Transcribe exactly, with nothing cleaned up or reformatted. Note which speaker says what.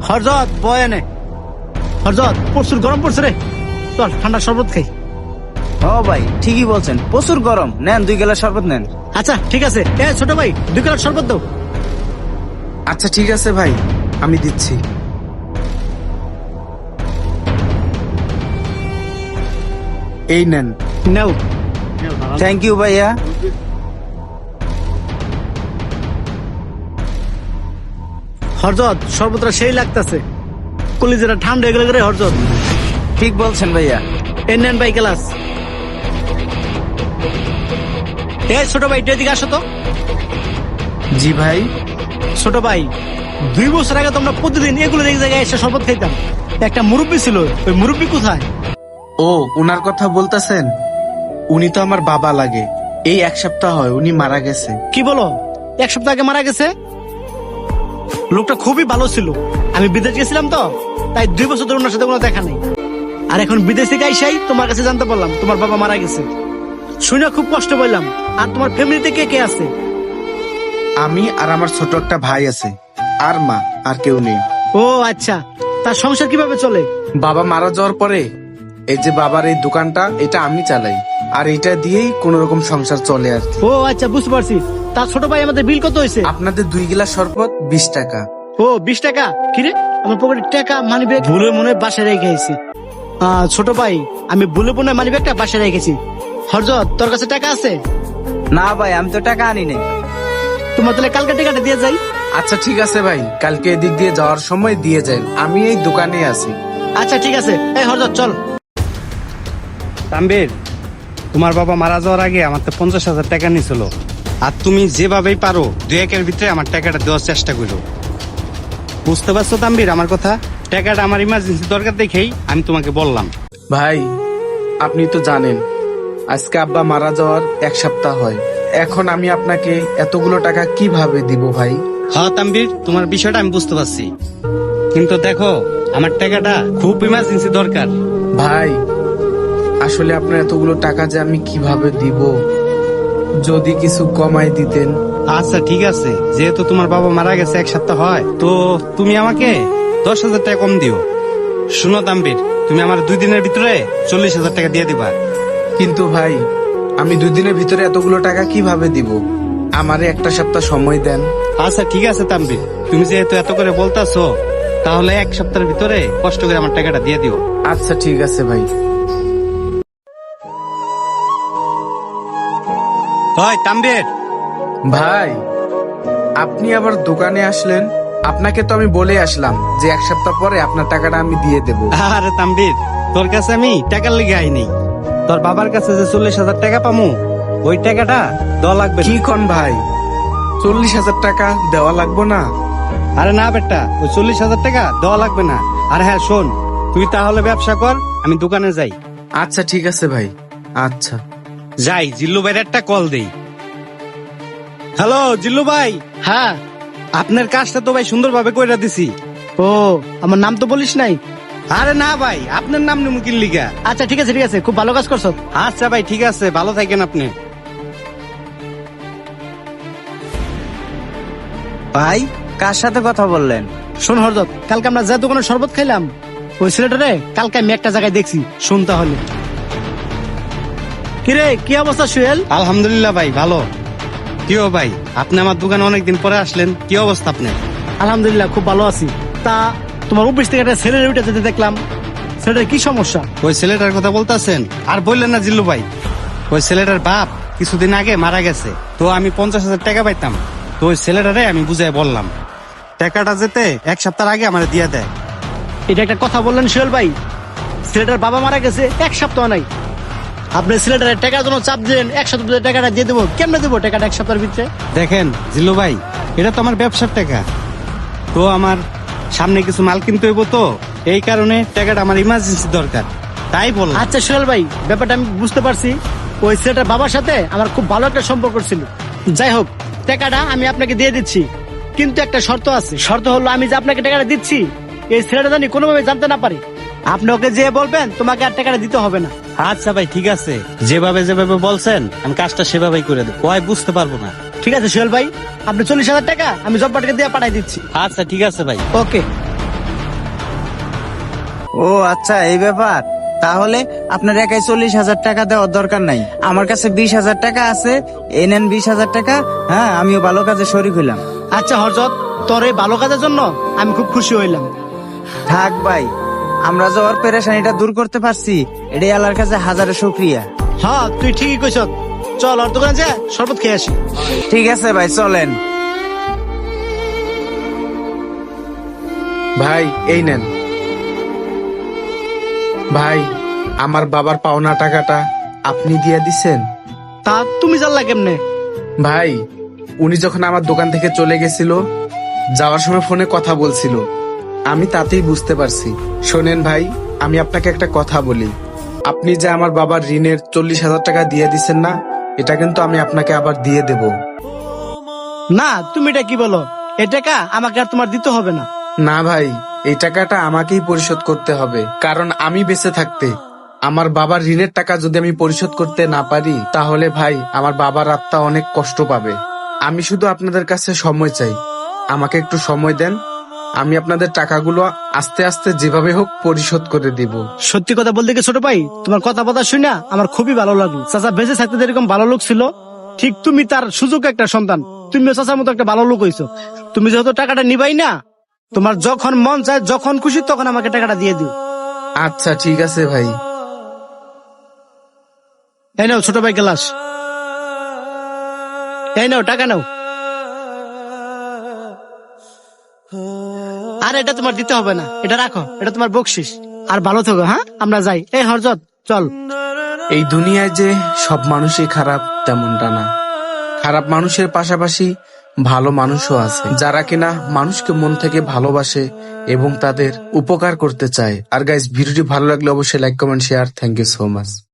Speaker 1: হরজত বয় এনে। হরজত প্রচুর গরম পড়ছে রে, চল ঠান্ডা শরবত খাই।
Speaker 2: ও ভাই ঠিকই বলছেন, প্রচুর গরম, নেন দুই গ্লাস শরবত নেন।
Speaker 1: আচ্ছা ঠিক আছে, এ ছোট ভাই দুই গ্লাস শরবত দাও।
Speaker 3: আচ্ছা ঠিক আছে ভাই, আমি দিচ্ছি। এই নেন।
Speaker 1: নাও।
Speaker 2: থ্যাংক ইউ ভাইয়া।
Speaker 1: হরজত শরবতটা সেই লাগতেছে, কলিজাটা ঠান্ডা হয়ে গেলে রে হরজত।
Speaker 2: ঠিক বলছেন ভাইয়া।
Speaker 1: এ নেন ভাই গ্লাস। এ ছোট ভাই একটু এদিকে আসো তো।
Speaker 3: জি ভাই।
Speaker 1: ছোট ভাই, দুই বছর আগে তোমরা প্রতিদিন এগুলো এক জায়গায় এসে শরবত খাইতাম, একটা মুরব্বী ছিল, ওই মুরব্বী কোথায়?
Speaker 3: ও উনার কথা বলতেছেন? উনি তো আমার বাবা লাগে, এই এক সপ্তাহ হয় উনি মারা গেছে।
Speaker 1: কি বলো, এক সপ্তাহ আগে মারা গেছে? লোকটা খুবই ভালো ছিল, আমি বিদেশ গেছিলাম তো, তাই দুই বছর ধরে ওনার সাথে কোনো দেখা নেই। আর এখন বিদেশ থেকে আইসাই তোমার কাছে জানতে পারলাম তোমার বাবা মারা গেছে। শুনে খুব কষ্ট পেলাম। আর তোমার ফ্যামিলিতে কে কে আছে?
Speaker 3: আমি আর আমার ছোট একটা ভাই আছে, আর মা, আর কেউ নেই।
Speaker 1: ও আচ্ছা, তার সংসার কিভাবে চলে?
Speaker 3: বাবা মারা যাওয়ার পরে এই যে বাবার এই দোকানটা, এটা আমি চালাই, আর এটা দিয়েই কোন রকম সংসার চলে আর কি।
Speaker 1: ও আচ্ছা বুঝতে পারছি। তার ছোট ভাই আমাদের বিল কত হয়েছে?
Speaker 3: আপনাদের দুই গ্লাস শরবত বিশ টাকা।
Speaker 1: ও বিশ টাকা? কিরে, আমার পকেটে টাকা মানি ব্যাগ ভুলে মনে হয় বাসায় রেখে গেছি। আহ, ছোট ভাই আমি ভুলে মনে মানি ব্যাগটা বাসায় রেখেছি। হরজত তোর কাছে টাকা আছে?
Speaker 2: না ভাই, আমি তো টাকা আনি নাই।
Speaker 1: তোমার তাহলে কালকে টাকাটা দিয়ে যাই।
Speaker 3: আচ্ছা ঠিক আছে ভাই, কালকে এদিক দিয়ে যাওয়ার সময় দিয়ে যান, আমি এই দোকানে আছি।
Speaker 1: আচ্ছা ঠিক আছে, এই হরজত চল।
Speaker 4: তাম্বির, তোমার বাবা মারা যাওয়ার আগে আমার তো পঞ্চাশ হাজার টাকা নিয়েছিল, আর তুমি যেভাবেই পারো দুই একের ভিতরে আমার টাকাটা দেওয়ার চেষ্টা করো। বুঝতে পারছো তাম্বির আমার কথা? টাকাটা আমার ইমার্জেন্সি দরকার দেখেই আমি তোমাকে বললাম।
Speaker 3: ভাই আপনি তো জানেন আজকে আব্বা মারা যাওয়ার এক সপ্তাহ হয়, এখন আমি আপনাকে এতগুলো টাকা কিভাবে দিব ভাই?
Speaker 4: হ্যাঁ তাম্বির, তোমার বিষয়টা আমি বুঝতে পারছি, কিন্তু দেখো আমার টাকাটা খুব ইমার্জেন্সি দরকার।
Speaker 3: ভাই আসলে আপনার এতগুলো টাকা যে আমি কিভাবে দিব, যদি কিছু কমাই দিতেন।
Speaker 4: আচ্ছা ঠিক আছে, যেহেতু তোমার বাবা মারা গেছে এক সপ্তাহ হয়, তো তুমি আমাকে দশ হাজার টাকা কম দিও। শুনো তাম্বির, তুমি আমার দুই দিনের ভিতরে চল্লিশ হাজার টাকা দিয়ে দিবা।
Speaker 3: কিন্তু ভাই আমি দুই দিনের ভিতরে এতগুলো টাকা কিভাবে দিব? আমারে একটা সপ্তাহ সময় দেন।
Speaker 4: আচ্ছা ঠিক আছে তাম্বির, তুমি যেহেতু এত করে বলতাছো, তাহলে এক সপ্তাহের ভিতরে কষ্ট করে আমার টাকাটা দিয়ে দিও।
Speaker 3: আচ্ছা ঠিক আছে ভাই।
Speaker 4: হয় তাম্বির।
Speaker 3: ভাই আপনি আবার দোকানে আসলেন? আপনাকে তো আমি বলে আসলাম যে এক সপ্তাহ পরে আপনার টাকাটা আমি দিয়ে দেব।
Speaker 4: আরে তাম্বির, তোর কাছে আমি টাকার লেগে আইনি, তোর বাবার কাছে যে চল্লিশ হাজার টাকা পামু ওই টাকাটা দেওয়া লাগবে।
Speaker 3: কি কোন ভাই, চল্লিশ হাজার টাকা দেওয়া লাগবে না?
Speaker 4: আরে না বেটা, ওই চল্লিশ হাজার টাকা দেওয়া লাগবে না। আর হ্যাঁ শোন, তুই তাহলে ব্যবসা কর, আমি দোকানে যাই।
Speaker 3: আচ্ছা ঠিক আছে ভাই। আচ্ছা
Speaker 4: যাই, জিল্লু ভাইয়ের একটা কল দেই। হ্যালো জিল্লু ভাই।
Speaker 1: হ্যাঁ।
Speaker 4: আপনার কাজটা তো ভাই সুন্দরভাবে কইরা দিছি।
Speaker 1: ও আমার নাম তো বলিস নাই।
Speaker 4: আরে না ভাই, আপনার নাম নিমুকিন লিগা।
Speaker 1: আচ্ছা ঠিক আছে ঠিক আছে, খুব ভালো কাজ করছো।
Speaker 4: আচ্ছা ভাই ঠিক আছে, ভালো থাকেন আপনি।
Speaker 2: ভাই কার সাথে কথা বললেন?
Speaker 1: শোন হরজত, কালকে আমরা যে দোকানে শরবত খাইলাম, ওই ছেলেটারে কালকে আমি একটা জায়গায় দেখছি। শুন তাহলে। কিরে কি অবস্থা সুহেল?
Speaker 4: আলহামদুলিল্লাহ ভাই ভালো। কি ও ভাই, আপনি আমার দোকানে অনেকদিন পরে আসলেন, কি অবস্থা আপনার?
Speaker 1: আলহামদুলিল্লাহ খুব ভালো আছি। তা তোমার অফিস থেকে একটা ছেলের উঠে যেতে দেখলাম, ছেলেটার কি সমস্যা?
Speaker 4: ওই ছেলেটার কথা বলতেছেন? আর বললেন না জিল্লু ভাই, ওই ছেলেটার বাপ কিছুদিন আগে মারা গেছে, তো আমি পঞ্চাশ হাজার টাকা পাইতাম, তো ওই ছেলেটারে আমি বুঝাই বললাম টাকাটা যেতে এক সপ্তাহ আগে আমার দিয়ে দেয়।
Speaker 1: এটা একটা কথা বললেন সুহেল ভাই? ছেলেটার বাবা মারা গেছে এক সপ্তাহ নাই, আপনি ছেলেটার টাকার জন্য চাপ দিলেন, এক সপ্তাহ ভিতরে টাকাটা দিয়ে দেবো। কেমনে দেবো টাকাটা এক সপ্তাহের ভিতরে?
Speaker 4: দেখেন জিল্লু ভাই, এটা তো আমার ব্যবসার টাকা, তো আমার সামনে কিছু মাল কিনতে হইব, তো এই কারণে টাকাটা আমার ইমার্জেন্সি দরকার, তাই বললাম।
Speaker 1: আচ্ছা সুহেল ভাই, ব্যাপারটা আমি বুঝতে পারছি। ওই ছেলেটার বাবার সাথে আমার খুব ভালো একটা সম্পর্ক ছিল। যাই হোক, টাকাটা আমি আপনাকে দিয়ে দিচ্ছি, কিন্তু একটা শর্ত আছে। শর্ত হলো আমি যে আপনাকে টাকাটা দিচ্ছি, এই ছেলেটা জানি কোনোভাবে জানতে না পারে। আপনি ওকে যে বলবেন তোমাকে আর টাকাটা দিতে হবে না।
Speaker 4: আচ্ছা ভাই ঠিক আছে, যেভাবে যেভাবে বলছেন আমি কাজটা সেভাবেই করে দেবো, ওই বুঝতে পারবো না।
Speaker 1: ঠিক আছে সুহেল ভাই, আপনি চল্লিশ হাজার টাকা আমি জব্বাটকে দিয়ে পাঠাই দিচ্ছি।
Speaker 4: আচ্ছা ঠিক আছে ভাই।
Speaker 1: ওকে।
Speaker 2: ও আচ্ছা, এই ব্যাপার। তাহলে আপনার একাই চল্লিশ হাজার টাকা দেওয়ার দরকার নাই, আমার কাছে বিশ হাজার টাকা আছে। এই নেন বিশ হাজার টাকা। হ্যাঁ, আমিও ভালো কাজে শরিক হইলাম।
Speaker 1: আচ্ছা হরজত, তোর এই ভালো কাজের জন্য আমি খুব খুশি হইলাম।
Speaker 2: থাক ভাই, আমরা যে ওর পেরেশানিটা দূর করতে পারছি, এটাই আল্লাহর কাছে হাজারে শুকরিয়া।
Speaker 1: হ্যাঁ তুই ঠিকই কইছ। চল ওর দোকানে যা শরবত খেয়ে আসি।
Speaker 2: ঠিক আছে ভাই, চলেন।
Speaker 3: ভাই এই নেন। ভাই, আমার বাবার পাওনা টাকাটা আপনি দিয়ে দিছেন?
Speaker 1: তা তুমি জানলা কেমনে?
Speaker 3: ভাই, উনি যখন আমার দোকান থেকে চলে গেছিল, যাওয়ার সময় ফোনে কথা বলছিল, আমি তাতেই বুঝতে পারছি। শোনেন ভাই, আমি আপনাকে একটা কথা বলি। আপনি যে আমার বাবার ঋণের চল্লিশ হাজার টাকা দিয়ে দিচ্ছেন না, এটা কিন্তু আমি আপনাকে আবার দিয়ে দেব।
Speaker 1: না, তুমি এটা কি বলো? এ টাকা আমাকে আর তোমার দিতে হবে না।
Speaker 3: না ভাই, এই টাকাটা আমাকেই পরিশোধ করতে হবে, কারণ আমি বেঁচে থাকতে আমার বাবার ঋণের টাকা যদি আমি পরিশোধ করতে না পারি, তাহলে ভাই আমার বাবার আত্মা অনেক কষ্ট পাবে। আমি শুধু আপনাদের কাছে সময় চাই, আমাকে একটু সময় দেন, আমি আপনাদের টাকাগুলো আস্তে আস্তে যেভাবে হোক পরিশোধ করে দিব।
Speaker 1: সত্যি কথা বলতে কি ছোট ভাই, তোমার কথা কথা শুনে আমার খুবই ভালো লাগলো। চাচা বেঁচে থাকতে যেরকম ভালো লোক ছিল, ঠিক তুমি তার সুযোগ একটা সন্তান। তুমিও চাচার মতো একটা ভালো লোক হইছো। তুমি যেহেতু টাকাটা নিবাই না, তোমার যখন মন চায়, যখন খুশি তখন আমাকে টাকাটা দিয়ে দিও।
Speaker 3: আচ্ছা ঠিক আছে ভাই।
Speaker 1: এই নাও ছোট ভাই গ্লাস, এই নাও টাকা নাও। আর এটা তোমার দিতে হবে না, এটা রাখো, এটা তোমার বকশিস। আর ভালো থাকো। হ্যাঁ, আমরা যাই। এই হরজত চল।
Speaker 3: এই দুনিয়ায় যে সব মানুষই খারাপ তেমনটা না, খারাপ মানুষের পাশাপাশি ভালো মানুষও আছে, যারা কিনা মানুষকে মন থেকে ভালোবাসে এবং তাদের উপকার করতে চায়। আর গাইস, ভিডিওটি ভালো লাগলে অবশ্যই like, comment, share. Thank you so much.